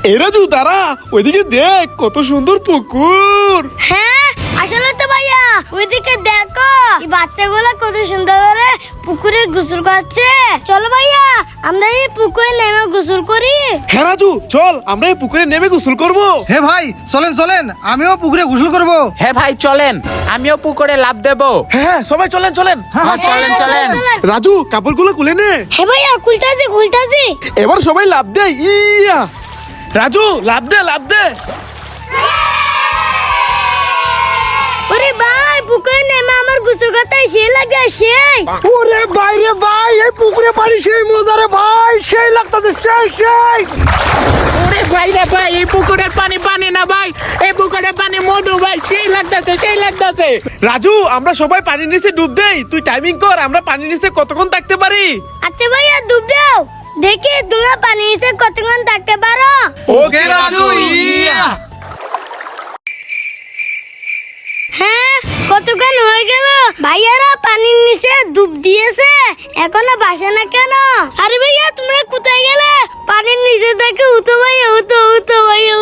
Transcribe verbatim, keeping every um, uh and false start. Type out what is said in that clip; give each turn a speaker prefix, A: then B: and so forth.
A: এই রাজু দাঁড়া, ওইদিকে দেখ কত সুন্দর পুকুর।
B: হ্যাঁ আসলে তো ভাইয়া ওইদিকে দেখো এই বাচ্চাগুলো কত সুন্দর করে পুকুরে গোসল করছে। চলো ভাইয়া আমরা এই পুকুরে নেমে গোসল করি।
A: হ্যাঁ রাজু চল আমরা এই পুকুরে নেমে গোসল করব।
C: হে ভাই চলেন চলেন, আমিও পুকুরে গোসল করব।
D: হ্যাঁ ভাই চলেন, আমিও পুকুরে লাফ দেব।
A: হ্যাঁ সবাই চলেন চলেন।
D: হ্যাঁ চলেন চলেন।
A: রাজু কাপড়গুলো খুলে নে।
B: হ্যাঁ ভাইয়া খুলতাছি খুলতাছি।
A: এবার সবাই লাফ দে। ইয়া রাজু লাফ দে লাফ দে।
B: ওরে ভাই পুকুরে নেমে আমার গোসল করতে সেই লাগে সেই।
C: ওরে ভাই রে ভাই, এই পুকুরে পানি সেই মজা রে ভাই, সেই লাগতাছে সেই সেই।
D: ওরে ভাই রে ভাই, এই পুকুরের পানি পানি না ভাই, এই পুকুরের পানি মধু ভাই, সেই লাগতেছে সেই লাগতেছে।
A: রাজু আমরা সবাই পানির নিচে ডুব দেই, তুই টাইমিং কর আমরা পানির নিচে কতক্ষণ থাকতে পারি।
B: আচ্ছা ভাইয়া ডুব দাও, দেখি তোমরা পানির নিচে কতক্ষণ থাকতে পারো।
A: ওকে রাজু ইয়া।
B: হ্যাঁ কতক্ষণ হয়ে গেল ভাইয়ারা পানির নিচে ডুব দিয়েছে, এখনো বাসে না কেন? আরে ভাইয়া তোমরা কোথায় গেলে? পানির নিচে থেকে উঠো ভাইয়া উঠো উঠো ভাইয়া